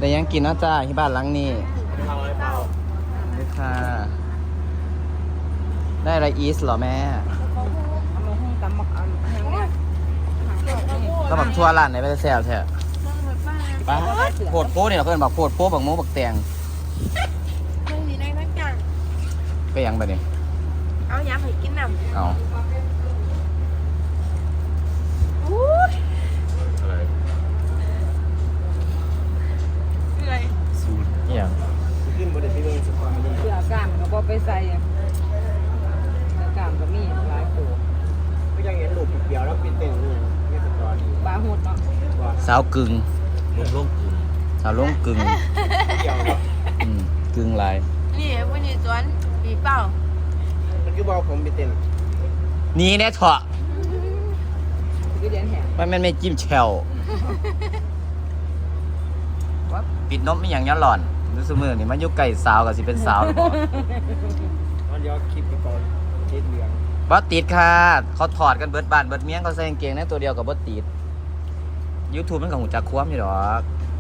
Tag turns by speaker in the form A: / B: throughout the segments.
A: แต่ยังกินนะจ้าที่บ้านหลังนี้นี่ค่ะได้อะไรอีสเหรอแม่ก็แบบทั่วร้านไหนไปแซวแท้ป้าโพดโป้เนี่ยเพื่อนบอกโพดโป้บักโม้บักแตงไปยังไปเนี่ย
B: เอาย้ำให้กินน้ำ
A: เอา
B: อะไร
A: สูตรอย่าง
C: ขึ้นบนที่เรื่องสปาร์ต
D: เสือกล้ามก็บ่ไปใส่เสือกล้ามก็มีหลายตัว
C: ก็ยังเห็นลูกเดียวแล้วปิดเต็มเลยนี่สปาร์ต
D: บาหดเนาะ
A: สาวกึ่ง
C: ลงกึ่ง
A: สาวลงกึ่ง
C: เดียวเนาะ
A: กึ่งลาย
B: นี่วันนี้สวนปีเป้า
C: มันคือบอกผมปิดเต็ม
A: นี่แน่เถอะ
D: คือเดียนแหง
A: มันไม่จิ้มแชวว่าปิดนมไม่อย่างย้อนหล่อนรู้สึกมือนี่มันยุกไก่สาวกับสิเป็นสาวหรือเปล่า
C: มันย้อนคลิปไปก่อนติดเหลือง
A: บอสติดค่ะเขาถอดกันเบิดบานเบิดเมียงเขาใส่กางเกงในตัวเดียวกับบอสติด YouTube มันกับหูจักคว้มอยู่หรอก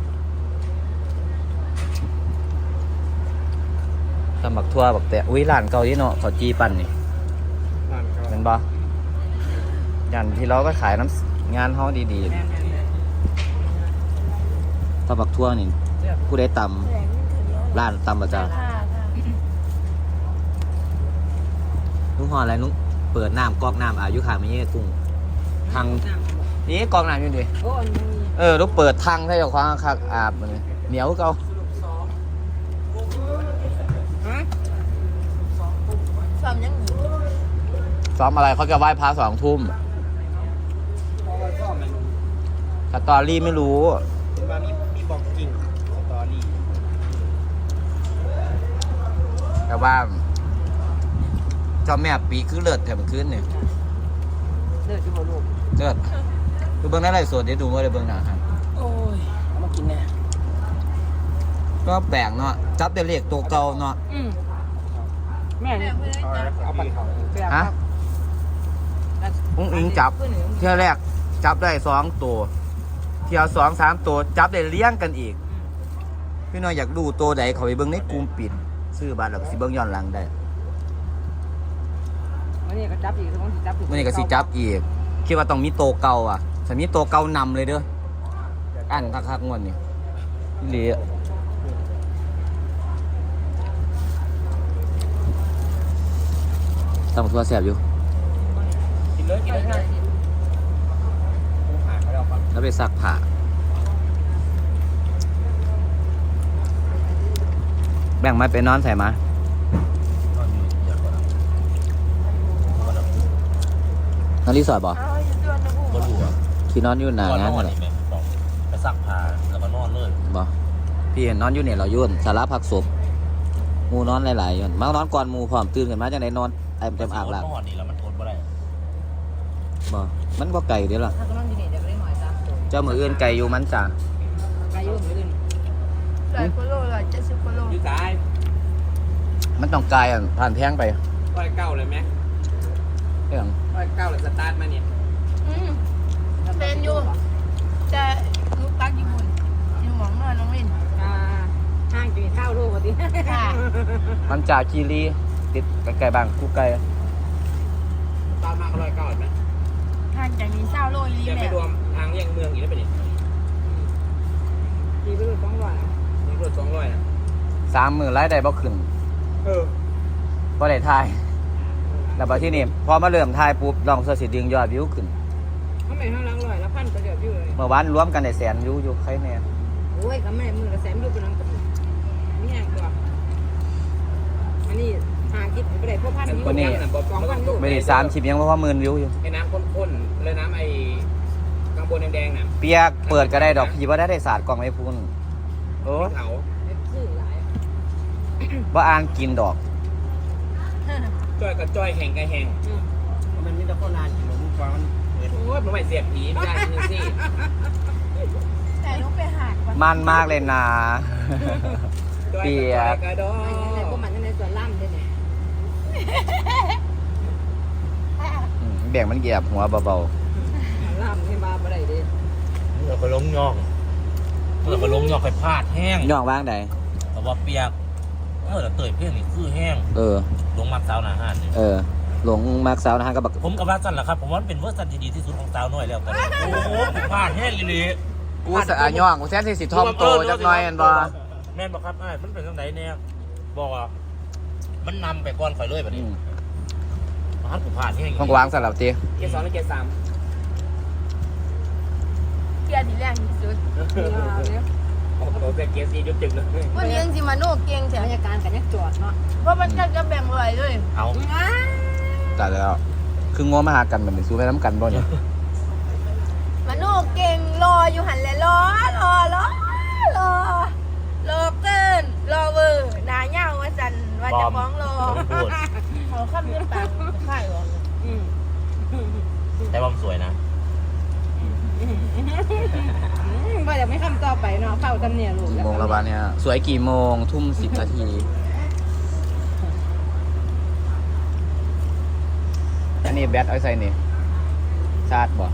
A: ตำบักทั่วบักแต่อุ้ยร้านเก่าที่เนาะเขาจีปั่นนี่เป็นบ่ยันที่เราก็ขายน้ำงานห้องดีๆตำบักทั่วนี่ผู้ได้ตำร้านตำประจาลุงห่ออะไรลุงเปิดน้ำกอกน้ำอายุขางไม่เงี้ยกุ้งทางนี่กอกน้ำอยู่ดิลูกเปิดทางให้เจ้าของคักอาบมันเหนียวเก่า
B: ซ้อมยังหนี
A: ซ้อมอะไรเขาจะไหว้พระ2 ทุ่มสตอรี่ไม่รู้
C: ว่ามีบอกจริงสตอรี่
A: แต่ว่าเจ้าแม่ปีคือเลิศแถมคืนเนี่ย
D: เลิศอยู่บ่ลูก
A: เลิศดูเบื้องหน้าไรสดเดี๋ยวดูว่าได้เบื้องหน้าครับ
D: โอ้ยเอามากินแน่
A: ก็แปลกเนาะจับแต่เลขตัวเก่าเนาะ
D: แม่นี่
C: เอาปั่นเขา
A: ฮะอุ้งอิงจับเที่ยวแรกจับได้2 ตัวเที่ยว2 3 ตัวจับได้เลี้ยงกันอีกพี่น้อยอยากดูตัวใดเขาไปเบื้องในกลุ่มปิดซื้อบัตรแล้วก็สิเบื้องย้อนหลังได้
D: วันนี้ก็จับอีกต้องสิจับอีก
A: วันนี้ก็สิจับอีกคิดว่าต้องมีโตเก่าอ่ะถ้ามีโตเก่านำเลยเด้ออันคักๆงวดนี่เหลี่ยตำตัวแสบอยู่
C: กินเลยกินเลยผ่าเขาแล้วครับ
A: แล้วไปซักผ้าแบ่งมาไปนอนใส่มานอนรีสอร์ทบ่ที่นอนอยู่หน้างานเหรอ
C: ไปซักผ้าแล้วก็นอนเลย
A: บ่พี่เห็นนอนอยู่เนี่ยเรายุ่นสาระพักศพมูนอนหลายๆยุ่นมานอนก่อนมูพร้อมตื่นกันมาจังไดนอนไอ้เต็มอ่างหลัง
C: นอนนี่แล้วมันทนบ่ได้
A: บ่มันบ่ไก่เด้อล่ะ
D: ถ้าก็นอนอยู่นี่เดี๋ยวได้หน่อยจ้ะ
A: เจ้ามืออื่นไก่อยู่มันจ้า
D: ไก่อยู่มื้ออื่น
B: 100 กว่าโล170 กว่าโล
C: อยู่ซ้าย
A: มันต้องไก่อ่ะผ่านแพงไป
C: ร้อยเก้าเลยไหม
A: เรื่อง
C: 109เลยสตาร์ทมาเนี่ย
B: เป็นอยู่จะลูกตักญี่ปุ่นอยู่หมองนอนน้องวิน
D: ห้างจะมีข้าวลูกว่าติ
B: ค่ะ
A: มันจ่าคีรีติดไก่บางคู่ไก่
C: ตามมาก็109เห็นไหม
B: ห่างจากนี้20 โลอีหลี
C: ยัง
B: แม่
C: ไม่รวมทางเลี่ยงเมืองอีกแล้วเป็นยัง
D: มีไปเลย200
C: มีรถ200นะ
A: 3 มื้อรายได้บ่ขึ้นบ่ได้ทายแล้วบัดที่นี่พอมาเริ่มทายปุ๊บลองเสิร์ชสิดึงยอดวิวขึ้น
D: ทำไมห้างล้าง100แล้วพันก็เดือดอยู่เลย
A: เมื่อวานรวมกันได้แสนวิวอยู่ใครแน่
D: โอ้ยก็แม่มือละแสนอยู่เป็นนังกับมีแห้งกว่าอันนี้หาคิดไปได้พวกพันอยู่2,000อยู่
A: ไม่ได้30ยังเพราะว่า10,000 วิวอยู่
C: ไอ้น้ำข้นๆเลยน้ำไอ้กางบนแดงๆน่ะ
A: เปียกเปิดก็ได้ดอกพี่บ่ได้ศาสตร์กล่องไอ้พุ่นโอ้
C: เขา
A: บ่อ่างกินดอก
C: จ้อยกับจ้อยแห่งกับแห่งมันมีแต่คนลานกินหมูฟ้ามันโอ้ยมันไม่เสียบผีไม่ได้จริงสิ
B: แต่ลูกไปหาด
A: มันมากเลยนะเปียก
C: กระดอ
D: แต่พวกมันในส่วนล่ำด้วยเนี่ย
A: แบ่งมันเหยียบหัวเบา
D: ล่ำให้มาบ่ได้ดิ
C: เราก็ล้มงอกเมื่อไปล้มยอกไปพลาดแห้ง
A: ย่องว่างใด
C: แต่ว่าเปียกเมื่อเตยเพี้ยงนี่คือแห้ง
A: เออ
C: ลงมักสาวหนาห้านนี่
A: เออ หลงมากสาวนะฮะก็บัก
C: ผมกับว่าสั้นแหละครับผมว่ามันเป็นเวอร์ชันที่ดีที่สุดของสาวน้อยแล้วกันโอ้โหพลาดแห้งอีหลี
A: กูสะอาย่องกูแท้ที่สิทอมโตจักหน่อยอันบ่
C: แม่นบอกครับอ้ายมันเป็นจังไดเนี่ยบอกว่ามันนำไปก่อนข่อยเลยแบบนี้มันกูพลาดแห้ง
A: ของกูวางสลับตี
C: เกียร์2และเกียร์3
B: เกียร์ที่แรงที่สุด
C: โอ้โหแต่เกียร์4จุดจึงเลย
B: วันนี้ยังสิมาโน่เก่งแถ
D: บ
B: ม
D: รรยากาศกันยังจอดเนาะ
B: เพราะมันจะแบ่งไว้เลย
C: เอา
A: ตัดแล้วคืองัวมาหากันมันสู้ไปน้ำกันบ่เนี่ย
B: มาโน่เก่งรออยู่หันเลยรอเกินรอเวอร์หนาเงาว่าจันว่าจะฟ้องรอ
C: พูด
B: เขาข้ามเรื่องปากค่ายหรอ
C: แต่ว่ามันสวยนะ
D: ว่าจะไม่คำต่อไปเนาะเฝ้าจำเนี่ยลูก
A: กี่โมงแล้วบ้านเนี่ยสวยกี่โมงทุ่ม10 นาทีอันนี้แบตเอาใส่นี่ชาร์จบ่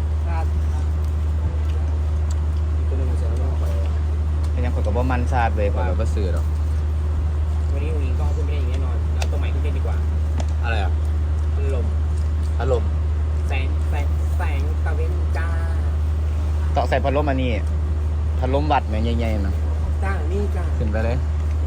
A: เป็นยังคนกับว่ามันชาร์จเลยผมแบบว่าซื้อหรอก
C: วันนี้อุ้งก็ขึ้นไม่ได้อย่างแน่นอนแล้วตัวใหม่ขึ้นได้ดีกว่า
A: อะไรอ่ะ
C: พัดลมแสงตะเวนจ้า
A: ต่อใส่พัดลมอันนี้พัดลมวัดแม่งใหญ่ๆนะ
C: จ้านี่จ้า
A: ขึ้นไปเลย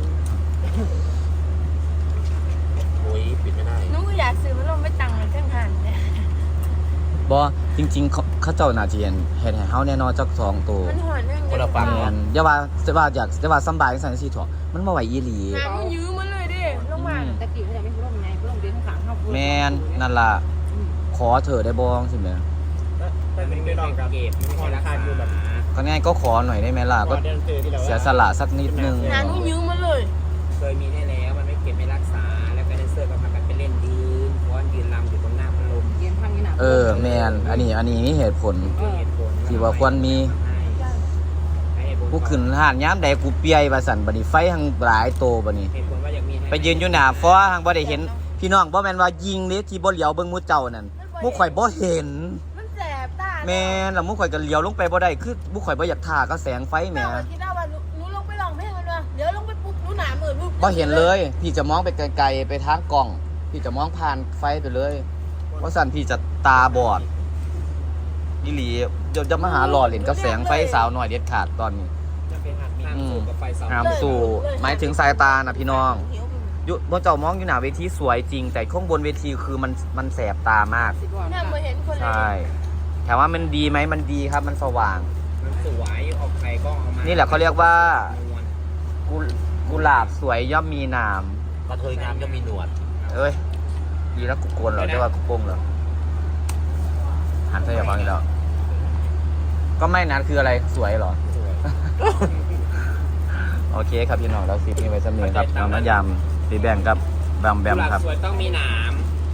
C: โอ้ยปิดไม่ได้
B: หนูก็อยากซื้อมันลงไม่ตังค์เครื่องหันเนี่ย
A: บ่จริงๆเขาเจ้าน่าจะเห็นให้เฮาแน่นอนจัก2ตัว
B: มันหอนเรื่อง
C: คนละฝั่ง
A: แม่นอย่าว่าอยากว่าสำบายจังซั่นสิเถาะมันบ่ไหวอีหลี
B: หามันยื้อมันเลยดิลงมา
D: ตะกี้เขาจะไม่พูดไงพูดเดินข้างเขา
A: แม่นนั่นล่ะขอเถอะได้บ่จังซี่แม่
C: แต่เป็นไม่ต้องกับเก็บไม่ใช่ราคาอยู่แบบ
A: ก็ง่ายก็ขอหน่อยได้ไหมล่ะก็เสียสละสักนิดนึง
B: หาหนูยื้อมันเลย
C: เคยมีแน่แล้วมันไม่เก็บไม่รักษาแล้วก็แดนเซอร์ก็พากันไปเล่นยืนฟ้อนยืนรำอยู่ตรงหน้าพัดลม
D: เย็นพังนี่นะ
A: แม่นอันนี้มีเหตุผล
C: เหตุผล
A: ที่ว่าควรมี กูขึ้นห้านย้ำใดกูเปียว่าสั่นบัดนี้ไฟหังหลายโตบัดนี้
C: เหตุผลว่าอยากมี
A: ไปยืนอยู่หน้าฟ้อหังบ่ได้เห็น พี่น้องบ่แม่นว่ายิงเด้ที่บ่เหลียวเบิ่งหมู่เจ้านั่นหมู่ข่อยบ่เห็น
B: มันแสบตา
A: แม่นแล้วหมู่ข่อยก็เหลียวลงไปบ่ได้คือหมู่ข่อยบ่อยากท่าก็แสงไฟแหม
B: แม่คิดว่าหนูลงไปลองเพลงมันวะเดี๋ยวลงไปปุ๊บหนูหนามือปุ๊บ
A: บ่เห็นเลย พี่จะมองไปไกลๆไปทางกล้อง พี่จะมองผ่านไฟไปเลยเพราะสั่นพี่จะตาบอดอีหลีเดี๋ยวจะมาหาหล่อเล่นกับแสงไฟสาวหน่อยเด็ดขาดตอนนี้
C: จะเป็นหักมีสูกับไฟเสา
A: ห้ามสู่หมายถึงสายตานะพี่น้องอยู่บนเจ้ามองอยู่หน้าเวทีสวยจริง แต่ข้างบนเวทีคือมันแสบตามาก
B: แม่มาเห็นคนเลย
A: ใช่ถามว่ามันดีไหมมันดีครับมันสว่าง
C: มันสวยออกไปก็เอามา
A: นี่แหละเขาเรียกว่ากุหลาบสวยย่อมมีหนาม
C: กระเทยงามย่อมมีหนวด
A: เอ้ยดีแล้วกูโกนเหรอได้ว่ากูโป้งเหรอหันใส่อย่าฟังอีกแล้วก็ไม่นั้นคืออะไรสวยเหรอ
C: สวย
A: โอเคครับพี่น้องเราคลิปนี้ไว้สำเนียงครับน้ำยำสีแบ่งกับแบมครับ
C: สวยต้องมีหนาม